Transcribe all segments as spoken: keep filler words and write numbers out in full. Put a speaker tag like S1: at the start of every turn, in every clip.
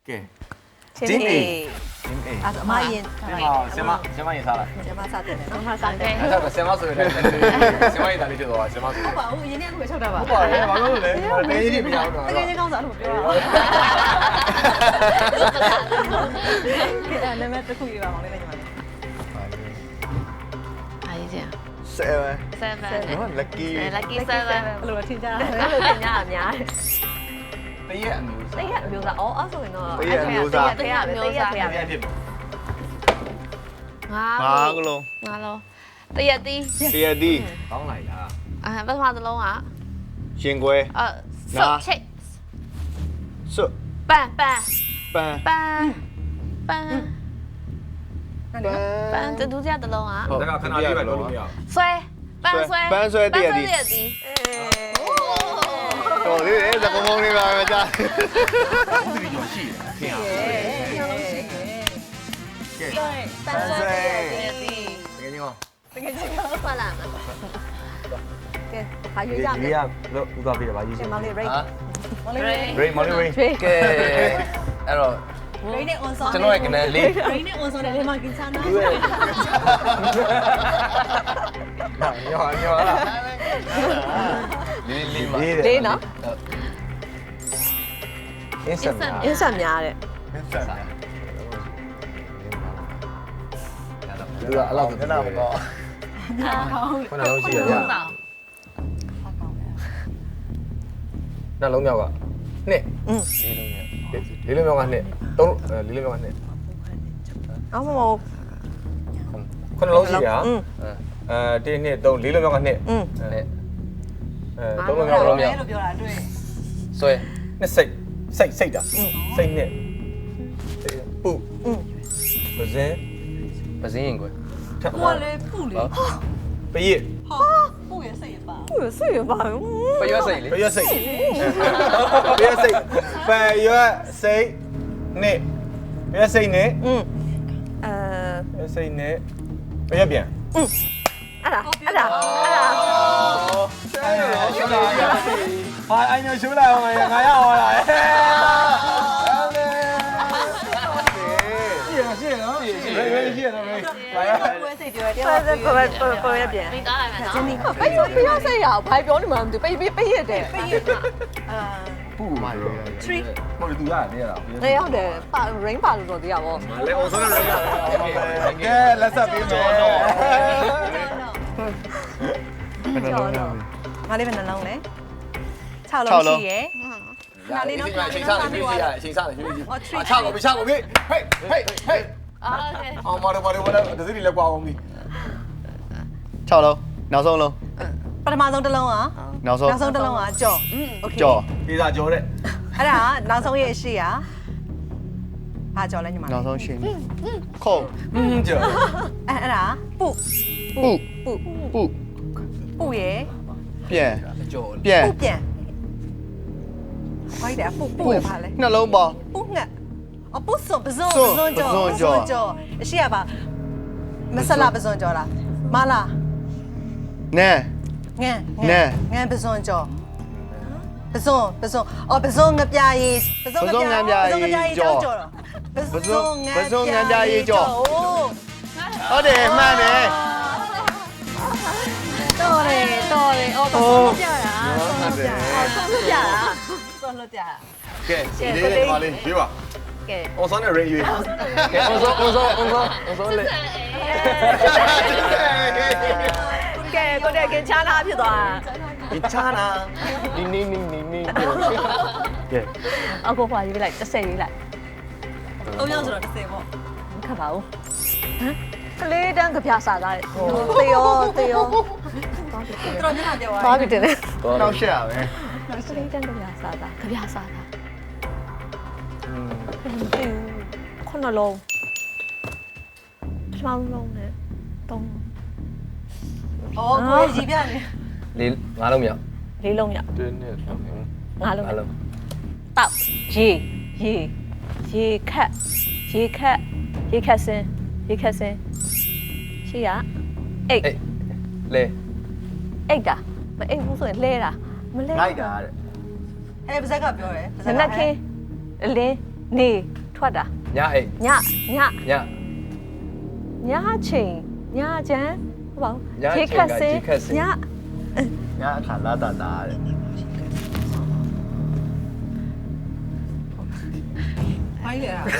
S1: Okay.
S2: Team A.
S1: Team A.
S2: À, mà yên.
S1: Sema, Sema yên sao lại?
S2: Sema sao thế này?
S3: Sema sao thế?
S1: Sao Sema rồi đấy? Sema yên tại đi chưa rồi? Sema rồi.
S2: Không bảo, yên em không phải sao đâu.
S1: Không phải, em bảo luôn đấy. Mà bé gì bây giờ rồi?
S2: Cái gì không rõ được chưa? Cái này mẹ tôi khui vào món này này mà.
S3: Ai vậy?
S4: Seven.
S3: Seven.
S4: Lucky.
S3: Lucky seven.
S2: Lúc đó thiên gia.
S3: Lúc đó thiên gia làm nhá.
S1: Tây ạမျိုးစား.
S2: Tây ạမျိုးစား. Ồ,အဲ့ဆိုရင်တော့
S4: Tây ạမျိုးစား
S2: Tây ạပဲTây ạ Tây ạပဲ
S1: ဖြစ်
S3: ငါ
S4: ငါကလုံး
S3: ငါလုံးတရက်တီး
S4: တရတီ
S1: ကောင်းလိုက်လား
S3: အဲပထမသလုံးက
S4: ရှင်ခွဲ
S3: အဲဆုတ်ချိတ်
S4: စွတ်
S3: ပန်ပန်
S4: ပန်း
S3: ပန်ပန်
S2: นั่นดิ
S3: ပန်တူကြသလုံးက
S1: ဒါကခဏလေးပဲလို့လို့မရဘူး
S3: ဆွဲပန်ဆွဲ
S4: ပန်းဆွဲတရတီ
S3: တရက်တီး
S4: တော်လေးလေသကမုံလေးပါပဲကြာ
S1: ဘူးဒီကျော်ရှိတယ်ခင်ဗျာ
S2: ကဲ
S3: ပန်ဆွဲတရက်တီး
S1: တကယ်ကြီးကော
S2: တကယ်ကြီး
S3: ဖလာမ
S2: ကဲဟာရွေးကြမယ်
S1: ရေးရလို့ဥသွားပြတယ်ဗာရေးချ
S2: ရှ
S1: င်
S2: င်မောင်လေး rate မောင်လေး rate
S1: Ray မော်လီ Ray
S2: ကျွေး
S5: ကဲအဲ့တော့
S2: rate နဲ့ on song
S5: ကျွန်တော်ရဲ့ကနေလေး
S2: rate နဲ့ on song နဲ့လေးမကင်ချာနာ
S1: ညောညောလား
S5: လေးလေးမှာ
S2: လေးနော်
S1: အင်းစက်များ
S2: အင်းဆက်များတဲ့
S1: အင်းစက်များသူကအလောက်တနာမကော ခုနလုံးရှိရရနှလုံးမြောက်ကနှစ်
S2: อืม
S1: လေးလုံးမြောက်လေးလုံးမြောက်ကနှစ်သုံးလေးလုံးမြောက်ကနှစ်
S2: အော်မဟုတ်
S1: ခုနလုံးရှိရ
S2: อืม
S1: အဲတင်းနှစ်သုံးလေးလုံးမြောက်ကနှစ်
S2: อืม
S5: နဲ့
S1: အဲသုံးလုံးမြောက်ကလုံးမြောက်
S2: လို့ပြောတာတွေ့
S5: ဆွဲ
S1: နှစ်စိတ်စိတ်စိတ်တာစိတ်နှစ်ပူ
S2: อืม
S1: ပဇင်း
S5: ပစင်းရင်ကွယ်
S1: ထက်
S2: ကိုလေပူလေ
S1: ပရစ်
S2: ဟာပူရစိတ်ရပါပူရစိတ်ရပါ
S5: ပရွက်စိတ်လေ
S1: ပရစ်စိတ်ပရစ်စိတ်ပရစ်စိတ်နှစ်ပရစ်စိတ်နှစ်
S2: อืมအဲ
S1: ပရစ်စိတ်နှစ်ပရစ်ပြန်
S2: อืมအဲ့ဒါအဲ့ဒါအဲ့ဒါ
S1: 哎呀，兄弟，哎，哎，你出来我们俺要我来。谢谢谢谢谢谢谢谢没，来呀！
S2: ပူရစိတ်ပြောတယ်တရားပူရပူပူရပြန်
S3: မိသားလိုက်မယ်နော်
S2: ဒီပိတ်ပိတ်စိတ်ရဘာပြောနေမှမသိပိတ်ပိတ်ပိတ်ရတယ်ပိတ်ရအာ
S1: 不嘛的，
S2: three
S1: 我哋读下嚟啦。
S2: နေရတယ်ပါ rain ပါလို့တော့တရားပေါ့
S1: 嚟，我收咗你啦。OK，let's up 邊咗。
S2: ကျော်တော့ငါလေးပဲနှလုံးလေ6လုံးရှိရယ်
S1: 嗱，你先嚟，先生嚟，先生嚟，先生嚟，先生嚟。啊，差我邊，差我邊，嘿，嘿，嘿。
S3: အော်โอเค
S1: 哦，冇了冇了冇了，這是你嚟掛我邊。
S4: ၆လုံးနောက်ဆုံးလုံး
S2: ပထမဆုံးတစ်လုံးอ่ะ
S4: နောက်ဆုံး
S2: နောက်ဆုံးတစ်လုံးอ่ะကြော် okay
S4: ကြော်
S1: ဒီသာကြောတဲ့
S2: အဲ့ဒါနောက်ဆုံးရဲ့ရှိရဘာကြော်လဲညီမ
S4: နောက်ဆုံးရှင်ခုံ
S1: อืมကြော
S2: အဲ့အဲ့ဒါပု
S4: ပု
S2: ပု
S4: ပု
S2: ပုရယ်
S4: ပြန်
S5: ကြော်
S4: ပြန်
S2: ပုပြန်ဘာလဲပုပုရပါလဲ
S4: နှလုံးပေါင်း
S2: ပုငှက်အပုစွန်ပစွန်
S4: စွ
S2: ပ
S4: န်
S2: စွန်ကြော်
S4: ပစွန်ကြော်
S2: ကြော်အရှိရပါမဆလာပစွန်ကြော်လားမလား
S4: နဲ
S2: ငန်း
S4: နဲ
S2: ငန်းပစွန်ကြော်ပစွန်ပစွန်အော်ပစွန်ငပြာရည်ပစွန်ငပြာရည်ကြော်ကြော်ပစွန်ငပြာရည်ကြော်
S4: ဟုတ်တယ်မှန်တယ်
S2: တော်တယ်တော်တယ်အော်ပစွန်ပြတာပစွန်ပြတာပြတာပစွန်ပြတာ
S1: ကဲဒီလေးပါလေးပြေးပါ
S2: ကဲ
S1: 我上点人鱼。
S5: ကဲအောင်စောအောင်စောအောင်စောအောင်စောလေ
S2: ကဲကိုတဲ့ကင်ချာနာဖြစ်သွား
S1: 你差呢？
S5: နီနီနီနီနီ
S1: ကဲ
S2: အခုခွာရေးလိုက်တစ်ဆယ်ရေးလိုက်သုံးယောက်ဆိုတော့တစ်ဆယ်ပေါ့မခတ်ပါဘူးဟမ်ကလေးတန်းကြပြစားသားတေယောတေယောတော်ညနာပြောပါဘာဖြစ်တယ်လဲ
S4: နောက်ရှက်ရပဲ
S2: ကလေးတန်းကြပြစားသားကြပြစားသားခုနလုံးချောင်းလုံးနဲ့တုံးအော်ကိုကြီးပြနေ
S5: လေးငါးလုံးမြောက်
S2: လေးလုံးရ
S5: တင်းနဲ့
S2: ငါးလုံး
S5: ငါးလုံး
S2: တောက်ရေရေရေခက်ရေခက်ရေခက်စင်းရေခက်စင်းရှိရအိတ်
S5: အေးလေ
S2: အိတ်တာမအိတ်ဘူးဆိုရင်လဲတာမလဲ
S1: လိုက်တာတဲ့
S2: အဲပါဇက်ကပြောတယ်နနက်ခင်းအလင်းနေထွက်တာ
S5: ညအိတ်
S2: ညည
S5: ည
S2: ညချိန်ညချမ်းဟုတ်ပါဘူး
S5: ညချိန်ကရေခတ်စင်
S2: ည
S4: ငါအခါလာတာတာတဲ့
S6: ဖိုင်းလေလား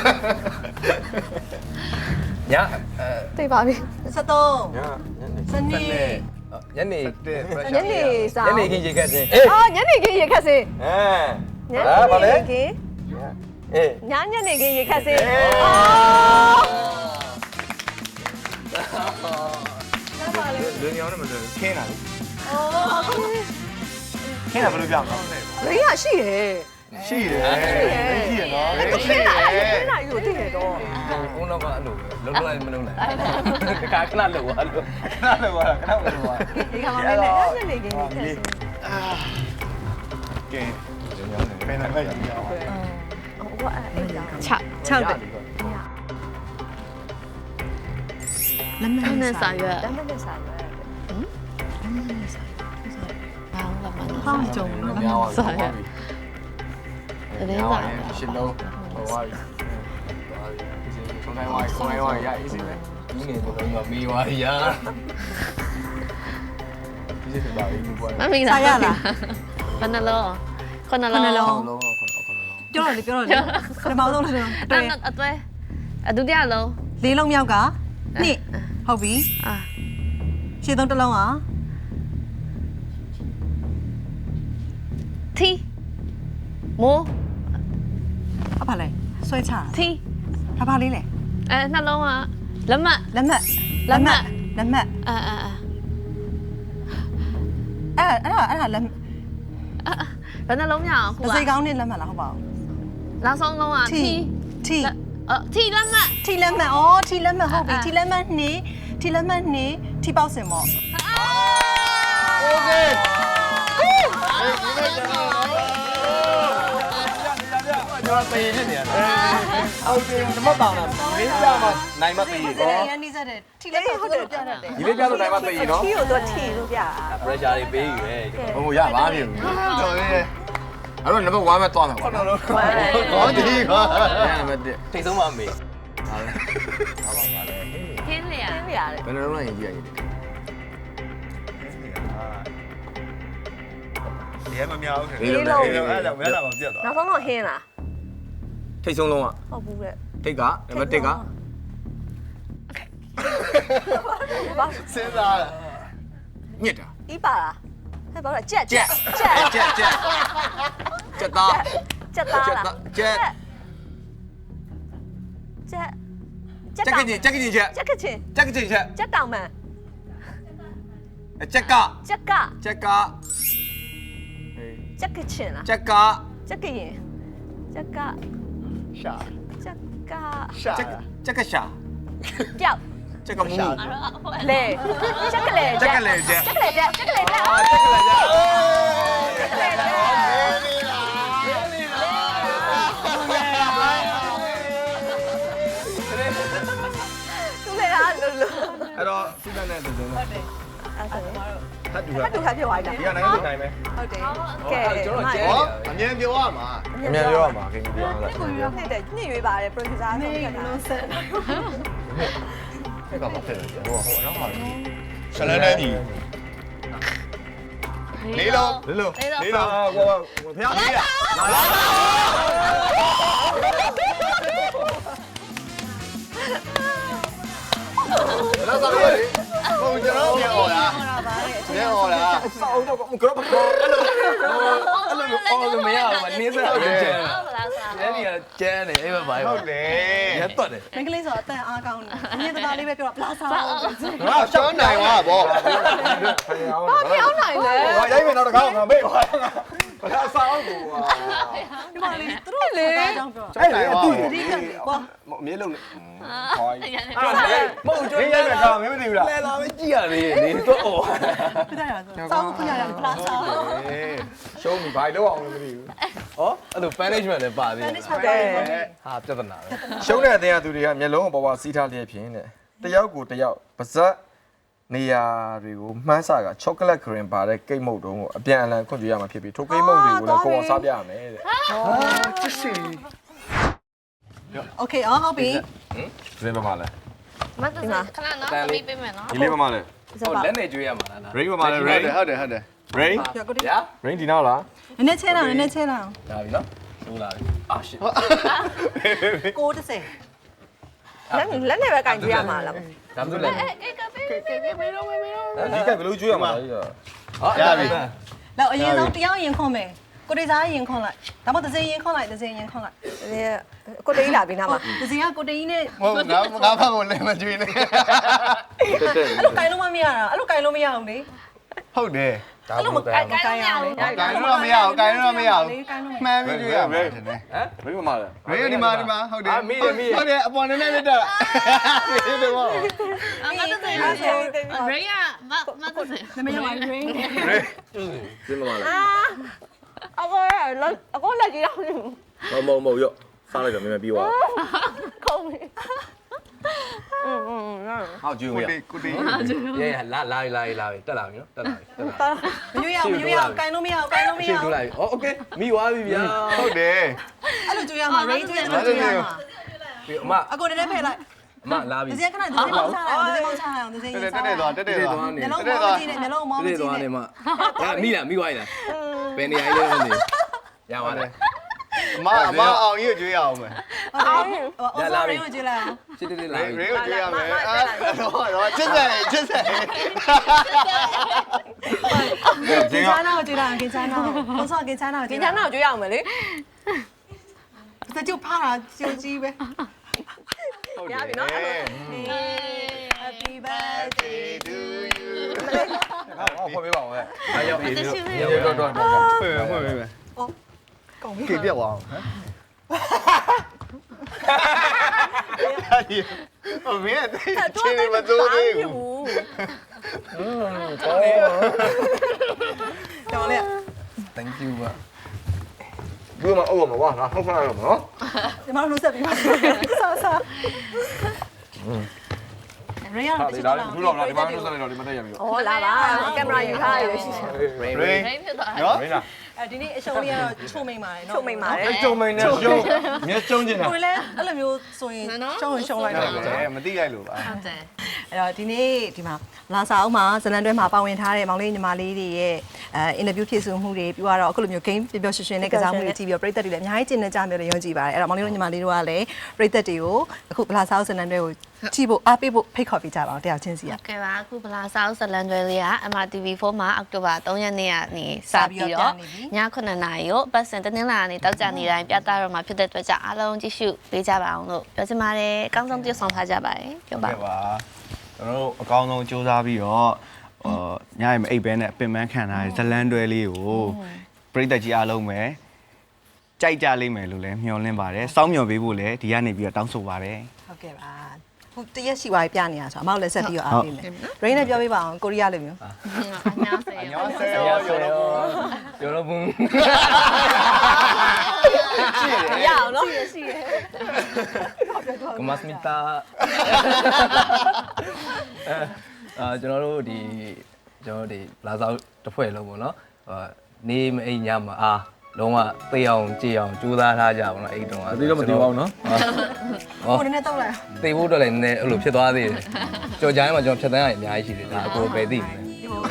S5: ညအဲ
S2: သိပါပြီ
S6: စက်သုံး
S1: ညည
S6: စနေ
S5: ညနေ
S4: တဲ့
S2: ညနေစာ
S5: ညနေခင်းရေခတ်စင်အေး
S2: အော်ညနေခင်းရေခတ်စင်
S1: အဲ
S2: ည
S1: ဟာဗာလေ
S2: နေခင်း
S1: အေး
S2: ညညနေခင်းရေခတ်စင်
S1: အေး
S2: အော်
S1: လူညောင်းနေမလို့ခင်းတာလေခင်းတာဘယ်လိုပြောမလဲ
S2: ရင်းရရှိရဲ့
S1: ရှိတယ်ရှိရနော်
S2: ခင်းတာခင်းတာယူသိတယ်တော့
S5: ဘုံတော့ကအဲ့လိုပဲလုံးလုံးမလုံးနဲ့တခါခဏလောက်သွားလို့
S1: ခဏလောက်သွားခဏလောက်သွား
S2: ဒီခါမှမလဲညနေခင်းရေခတ်စင်
S1: ကဲလူညောင်းနေပဲနဲ့ပဲညောင်း
S2: ဟိုကအဲ့ဒါ
S3: 6
S6: 6တဲ့လက်မ
S3: နဲ့စာရွက်
S2: တမ်းတဲ့စာရွက်
S3: ဘာလို့လဲမ
S6: ဟောင်းကြုံ
S1: များပါပြီ
S3: စာရွက်တင်းစာ
S1: ရှင်းလုံးဟောပါပြီဆုံးတိုင်းဝိုင်းဆုံးတိုင်းဝိုင်းရအေးစီပဲ
S5: ဒီနေ့တော့မီးသွားရ
S1: ဒီစစ်ပါပြီဘွား
S3: မမီးစာရလားခဏလုံးခဏလုံး
S6: ခဏလုံး
S1: လုံးလုံးခုနကခုနလုံး
S6: ပြောတော့လေပြောတော့လေပထမဆုံးလို့ဆိုတော့အတွဲ
S3: အသွဲအဒုတိယလုံး
S6: လေးလုံးမြောက်ကနှစ်ဟုတ်ပြီ
S3: အာ
S6: ရှင်းသုံးတစ်လုံးอ่ะ
S3: တီမိုး
S6: အဖာလဲဆွဲချ
S3: တီ
S6: တာဘာလေးလဲ
S3: အဲနှလုံးကလက်မ
S6: လက်မှတ်
S3: လက်မှတ်
S6: လက်မှတ်
S3: အာအာအာ
S6: အဲ့ဒါအဲ့ဒါအဲ့ဒါလက်
S3: ဘယ်နှလုံးမြအောင်ခု
S6: အ
S3: က
S6: စိကောင်းနဲ့လက်မှတ်လားဟုတ်ပါဘူး
S3: နောက်ဆုံးလုံးကတီ
S6: ထီ
S3: အော်တီလက်မ
S6: ထီလက်မှတ်ဩထီလက်မှတ်ဟုတ်ပြီထီလက်မှတ်နှစ်ထီလက်မှတ်နှစ်ထီပေါက်စင်ပေါ့
S4: โอเค
S1: ကျွန်တော်ပေးနေတယ်ဟုတ်တယ်ဓမ္မတောင်းတာဒီလေးပြမှာနိုင်မပေး
S6: ဟုတ်
S1: ဘူး
S6: တယ်ရန်နေစားတယ်ထီလက်မှတ်ဟုတ်တယ်ပြတတ်တယ်
S1: ဒီလေးပြလို့နိုင်မပေးနော်
S2: ထီကိုတော့ထီလို့ပြ
S5: pressure တွေပေးယူတယ်
S1: ဟိုရပါပြီ
S4: တော်သေးတယ်
S1: အဲ့တော့နံပါတ်1ပဲသွားမယ်ကွာ
S4: ကောင်းဒီကွာ
S1: နံပါတ်1
S5: ထိတ်ဆုံးပါမေး
S1: ဟာလေ
S3: ခင်းလေရ
S2: ပြရတယ်
S1: ဘယ်နှလုံးလိုက်ရင်ကြည့်ရရင်
S4: ဒီမမြောက်ဘူး
S1: လေးလုံးလေးလုံး
S4: အဲ့ဒါမရတာမပြတ်သွား
S2: နောက်ဆုံးတော့ဟင်းလား
S1: ထိတ်ဆုံးလုံးက
S2: ဟုတ်ဘူးလေ
S1: ထိတ်ကနံပါတ်1က
S4: စဉ်းစားတယ်
S1: ညစ်တာ
S2: ဤပါလားဟဲ့ဘာလဲကြက်
S1: ကြက်ကြက်ကြက်ကြက်ကြက်သား
S2: ကြက်သားလား
S1: ကြက်
S2: ကြက်
S1: ကြက်ကချင်းကြက်ကချင်းချက်
S2: ကြက်ကချင်း
S1: ကြက်ကချင်းချက်
S2: ကြက်တောင်မန်
S1: ကြက်က
S2: ကြက်က
S1: ကြက်က
S2: ကြက်ကချင်းလား
S1: ကြက်က
S2: ကြက်ကရင်ကြက်က
S4: ရှာ
S2: ကြက်က
S4: ရှာ
S1: ကြက်ကြက်ကရှာ
S2: ပြောက်
S1: ကြက်ကမူ
S2: လေကြက်ကလေ
S1: ကြက်ကလေကြက်
S2: ကြက်ကလေကြက်ကြက်ကလေကြက်
S1: အာကြက်ကလေကြက်
S2: ကြက်ကလေကြက်သူလေလားလို့လို့
S1: အဲ့တော့စိတ်နဲ့တူတယ်နော်
S2: အဲ့ဆိုရင်
S1: ထပ်တူ
S2: ဖတ်တူခါပြောသွားတာ
S1: ဒီကနိုင်ငံတိုင်းပဲ
S6: ဟုတ်တယ်
S2: ကဲ
S5: ကျွန်တော်ကျဲ
S4: ဟောအမြင်ပြောရမှာ
S1: အမြန်ပြောရမှာခင်ဗျာပြောရမှာ
S2: ကိုရွေးနှစ်တဲ့ညှိရွေးပါတယ် producer
S6: မေ
S2: ဆုံးဖြတ်
S6: က
S2: တာ
S6: လုံးဆက်
S1: အဲ့ကဘာဖြစ်လဲဟိုဟိုတော့ဟာ
S4: ဆလန်နေဒီ
S3: လေးလုံး
S1: လေးလုံး
S3: လေးလုံး
S1: လေးလုံးဟိုဟိုဖျားလေးရလာလာလာလာ
S4: ဘုံကျွန်တော်ပြောတာ
S6: ဟောတာပါတဲ့
S4: ပြောတာ
S1: စောင်းတော့ကရောအဲ့လိုအဲ့လို
S5: အော်လို့မရဘူးနင်းစရာကျဲ
S3: ဟုတ်လားဆရာ
S5: အဲ့ဒီကကျဲနေအဲ့ဘက်ပါ
S4: ဟုတ်တယ်
S5: ရက်တော့တယ်
S6: မင်္ဂလိပ်ဆိုတော့အတန်အားကောင်းတယ်အမြင်သားလေးပဲပြောတာပလာဆောင်
S1: ငါ
S4: ရှောင်းနိုင်ပါဗော
S1: ဘာပြောင်းနိုင်လဲဟောရိုက်မယ်တော့တကားငါမေ့ပါဘာသာစောင်းကို
S6: ဒီမှာလေးသူတို့လေအကြောင်းပြော
S1: အဲ့လေအတူ
S6: တတိကကွာ
S1: မြေလုံးနဲ့ဟို
S3: ရန်နေ
S5: မဟုတ်ကျွ
S1: မင်းရိုက်မယ်ကောင်မင်းမသိဘူးလား
S5: လဲလာပဲကြည့်ရသေးတယ်နေတော့အော်
S6: ပြကြရဆိုစောင်းခွင့်ရတယ်ပလာဆောင်
S1: ရှုံးပြီဘာလို့အောင်လဲမသိဘူး
S5: ဟောအဲ့လို punishment လည်းပါသေးတယ်
S2: ဟုတ်တယ်
S5: ဟာပြဿနာပဲ
S1: ရှုံးတဲ့အတင်းအသူတွေကမျက်လုံးပေါ်ပေါ်စီးထားလျက်ဖြင့်တဲ့တယောက်ကိုတယောက်ပါဇက်နေရာတွေကိုမှန်းဆကချောကလက်ခရင်ပါတဲ့ကိတ်မုတ်တုံးကိုအပြန်အလှန်ခွင့်ပြုရမှာဖြစ်ပြီးထိုကိတ်မုတ်တွေကိုလည်းကိုယ်အောင်စားပြရမယ်တဲ့
S4: ဟာချစ်စီ
S6: โอเคအော်ဟုတ်ပြီ
S1: ဇင်းပါမလဲ
S3: မတ်တက်ခဏနော်သမီးပေးမယ်နော်
S1: ဒီလေးပါမလဲ
S5: ဟုတ်လက်နေကျွေးရမှာလား
S1: rain ပါမလဲ
S4: ဟုတ်
S1: rain
S4: တယ်ဟုတ်တယ်ဟုတ်တယ်
S1: rain
S6: ရကိုတီ
S5: ညာ
S1: rain ဒီနောက်လား
S6: နည်းနည်းချဲလောက်နည်းနည်းချဲလောက်
S5: ဒါပြီနော်ဆိုးလာပြီအာရှစ်
S6: ကိုတစ်စင်
S2: လက်လက်နဲ့ပဲကင်ကြည့်ရမှာလား
S5: ဒါမှမဟုတ်လက်
S3: အေးကပေးပေးပေးပေးတော့မေတော့
S1: ဒီကဘယ်လိုကျွေးရမှာလဲ
S5: ရပြီ
S6: လောက်အရင်ဆုံးတရားရင်ခွန်မယ်ကိုတေးစားရင်ခွန်လိုက်ဒါမှမဟုတ်တစ်စင်ရင်ခွန်လိုက်တစ်စင်ရင်ခွန်လိုက်
S2: ဒီကိုတေးလာပြီနားမှာ
S6: တစ်စင်ကကိုတေးနဲ့
S4: ဟုတ်ငါငါဖတ်ဖို့လည်းမကြွေးနဲ့
S1: တက်တက်
S6: အဲ့လိုကင်လို့မမရတာအဲ့လိုကင်လို့မရအောင်လေ
S4: ဟုတ်တယ်
S5: ဒါမှမဟုတ်
S6: ကင်ကင်ရအောင်လေ
S4: ကိုင်တော့မရအောင်ကိုင်တော့မရအောင်မှန်ပြီးကြွေးရမယ်ထင်တယ်
S5: ဟမ်
S1: rain ပါမလဲ
S4: ရေဒီမှာဒီမှာဟုတ်တယ်ဟုတ်တယ်အပေါ်နဲ့နဲ့တက်ဒီတော့
S3: မတ်တက်ရေရမမတ်တက်
S6: နမရပါရင်း
S1: ဇင်းပါမလဲ
S2: အာအကောလက်အကောလက်ကြီးတော့
S1: မမမရောစားလိုက်တော့မြန်မြန်ပြီးသွား
S2: ခုံးပြီอืมอืม
S1: ဟောက်ကျွေးမ
S4: ကို
S1: ရ
S4: တေးကိုတေး
S5: ရဲလာလာလာလာတက်လာပြီနော်တက်လာပြီတက်လာ
S6: မရွေးရအောင်မရွေးရအောင်ကင်လို့မရအောင်ကင်လို့မရ
S5: ရှင်း
S6: အောင်
S5: ထိုးလာပြီဩโอเคမိသွားပြီဗျာ
S4: ဟုတ်တယ်
S6: အဲ့လိုကြွေးရမှာ rain ကြွေးတယ်ကြွေးရမှာ
S5: ဒီအမ
S6: အကိုတည်းနဲ့ဖယ်လိုက်
S5: အမလာပြီ
S6: တစ်စင်ခဏတစ်စင်ပေါင်းချလိုက်တစ်စင်ပေါင်းချလိုက်အောင်တစ်စင်
S4: တက်တက်သွားတက်တက်သွား
S5: နေ
S6: မျက်လုံးမောင်းကြည့်နေမျက်လုံးမောင်းကြ
S5: ဒီ
S6: ည့်
S5: သွား
S6: နေ
S5: နေမှာဒါမိလားမိသွားပြီလားဘယ်နေရာလေးလဲနေရပါလား
S4: မမအောင်ကြီးကြွေးရအောင်မယ်
S6: အောင်အော်ဆော်ရီကိုကြည့်လိုက်အောင်
S5: စစ်စစ်လာ
S4: ရေ
S5: ပြီ
S4: ရေကြွေးရမယ်အဲ့တော့ချစ်စဲချစ်စဲ
S6: ကင်ချာနာကိုကြည့်လိုက်အောင်ကင်ချာနာကိုအော်ဆော်ကင်ချာနာကို
S2: ဒီ
S6: ကြည့်
S2: ချ
S6: လို
S2: မ်း
S6: က်
S2: တော့ကြွေးရအောင်မယ်လေ
S6: တချို့ဖားတာကြိုကြီးပဲ
S4: ဟုတ်တယ်
S6: Happy birthday to you
S1: ဟောဖွင့်ပေးပါဦးဟဲ့
S5: အားရောက်ပြီ
S1: တော့တော့တော့
S4: ဖွင့်ဖွင့်ပေးမယ်
S6: ကောင်းပြီ
S4: ကေပြတ်သွားအောင်ဟမ်ဟိုမင်းတဲ့ချင်းမစိုးသေးဘူး
S6: တော်လေ
S5: thank you ပါ
S1: ဒီမှာအော်မှာဝါငါဟုတ်ဖားရမှာနော်
S6: ဒီမှာလို့ဆက်ပြီးပါဆောဆောရေရ
S1: ဟာ
S6: တ
S1: ဒီ
S6: ချို့
S1: လာ
S6: တော့
S1: ဘူးတော့လားဒီမှာလို့ဆက်လိုက်တော့ဒီမှာတက်ရပြီ
S2: ဩလာပါကင်မရာယူထားရရှိရှိ
S5: rain
S4: rain
S3: ရိတ်ဖြစ်သွား
S4: နော်
S1: rain လား
S6: အဲဒီနေ့အရှုံးလေးကတော့ချုံမိန်ပါတယ်နော်
S2: ချုပ်မိန်ပါတယ်
S1: အဲ့ကျုံမိန်နဲ့ကျုံမြဲကျုံကျင်တာ
S6: ကိုလည်းအဲ့လိုမျိုးဆိုရင်ရှုံးရင်ရှုံးလိုက်တော့
S4: ဟုတ်တယ်မသိလိုက်လို့ပါ
S3: ဟုတ်တယ်
S6: အဲ့တော့ဒီနေ့ဒီမှာလာစာအုပ်မှာဇလန်တွဲမှာပါဝင်ထားတဲ့မောင်လေးညီမလေးတွေရဲ့အဲအင်တာဗျူးဖြည့်ဆို့မှုတွေပြီးတော့အခုလိုမျိုး game ပျော်ပျော်ရွှင်ရွှင်နဲ့ကစားမှုတွေကြည့်ပြီးတော့ပရိသတ်တွေလည်းအများကြီးကျင်နေကြမျိုးတွေယုံကြည်ပါတယ်အဲ့တော့မောင်လေးတို့ညီမလေးတို့ကလည်းပရိသတ်တွေကိုအခုလာစာအုပ်ဇလန်တွဲကိုကြည့်ဖို့အားပေးဖို့ဖိတ်ခေါ်ပေးကြပါအောင်တယောက်ချင်းစီက
S3: ကဲပါအခုဗလာဆောက်ဇလန်တွေလေးက M R T V fourမှာအောက်တိုဘာthreeရက်နေ့ကနေစပြီးတော့ညnineနာရီကိုပတ်စင်တင်းလာနေတောက်ကြနေတိုင်းပြသတော့မှာဖြစ်တဲ့အတွက်ကြောင့်အားလုံးကြည့်ရှုပေးကြပါအောင်လို့ပြောချင်ပါတယ်အကောင်းဆုံးပြုဆောင်ထားကြပါတယ်ပြောပါ
S7: ဟုတ်ပါကျွန်တော်တို့အကောင်းဆုံးစူးစမ်းပြီးတော့ဟိုညရင်မအိပ်ဘဲနဲ့ပင်ပန်းခံထားတဲ့ဇလန်းတွဲလေးကိုပြည်သက်ကြီးအားလုံးပဲကြိုက်ကြလိမ့်မယ်လို့လည်းမျှော်လင့်ပါတယ်စောင့်မျှော်ပေးဖို့လည်းဒီကနေပြီးတော့တောင်းဆိုပါတယ်
S6: ဟုတ်ကဲ့ပါခုတရက်ရှိသွားပြီပြနေတာဆိုတော့အမောက်လည်းဆက်ပြီးတော့အားပေးမယ်ရိန်းနဲ့ပြောပေးပါအောင်ကိုရီးယားလိုမျိုး
S3: 안녕하세요.
S5: 안녕하세요. 여러분.
S2: ရအောင်နော်
S5: 고맙습니다. 아,ကျွန်တော်တို့ဒီကျွန်တော်တို့ဒီလာစားတစ်ဖွဲ့လုံးပေါ့နော်ဟိုနေမအိမ်ညမှာအာလုံးဝသိအောင်ကြည်အောင်ကြိုးစားထားကြပါတော့အဲ့တုန်းက
S1: ဒီတော့မသိပါဘူးနော်
S5: ဟော
S6: ကိုနည်းနည်းတော့လိုက်
S5: သိဖို့တော့လည်းနည်းနည်းအဲ့လိုဖြစ်သွားသေးတယ်ကြော်ကြိုင်းမှာကျွန်တော်ဖြတ်တန်းရအများကြီးရှိတယ်ဒါအကိုပဲသိတယ်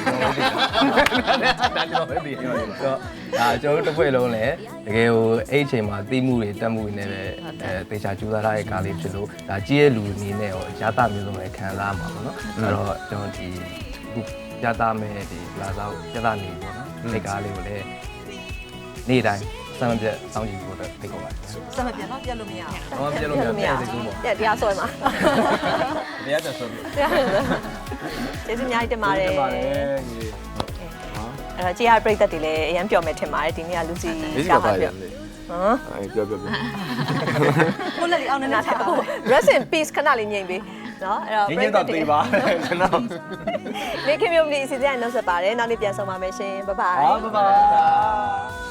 S5: ဒါကျွန်တော်ပဲသိတယ်ဒါကျွန်တော်တို့တစ်ဖွဲ့လုံးလည်းတကယ်ဟိုအဲ့အချိန်မှာသိမှုတွေတက်မှုတွေနဲ့ပဲအဲတေချာကြိုးစားထားတဲ့ကားလေးဖြစ်လို့ဒါကြီးရဲ့လူအနေနဲ့ရောရတာမျိုးစုံလည်းခံစားမှာပေါ့နော်အဲ့တော့ကျွန်တော်ဒီအခုရတာမဲ့ဒီလာစားရတာနေပေါ့နော်ဒီကားလေးကိုလည်းနေ့တိုင်းစမ်းမပြတ်စောင့်ကြည့်ဖို့အတွက်ဖိတ်ခေါ်ပါတယ်
S6: စမ်းမပြတ်တော့ပြတ်လို့မရအောင်
S5: ။ဘာမှပြလို့မရဘူး။သိကူပေါ့
S2: တဲ့တရားဆွဲမှာ
S1: ။တရားတက်ဆိုပြီ
S2: တရားဆွဲကျေးဇူးအများကြီးတင်ပါတယ်
S1: ။ပါတယ်ကြီး
S2: အဲ့တော့ကြေးရပရိသတ်တွေလည်းအရင်ပြောမယ်ထင်ပါတယ်ဒီနေ့ကလူစီ
S1: ။ဒီက
S2: ရှာ
S1: ပါ
S2: မှာ
S1: ရ
S2: ပြ
S1: တယ်
S2: ဟမ်
S1: ။အဲပြောပြောပြော
S6: ကိုလက်လေးအောင်နေနေထားပါ
S2: rest in peace ခဏလေးငြိမ်ပေးနော်အဲ့တော့
S1: ။ညညတော့သေးပါကျွန်တော်
S2: နေခင်မျိုးမလီအစီအစဉ်နဲ့နောက်ဆက်ပါတယ်နောက်နေ့ပြန်ဆောင်ပါမယ်ရှင်ဘိုင်ဘိုင်
S1: ။ဟာဘိုင်ဘိုင်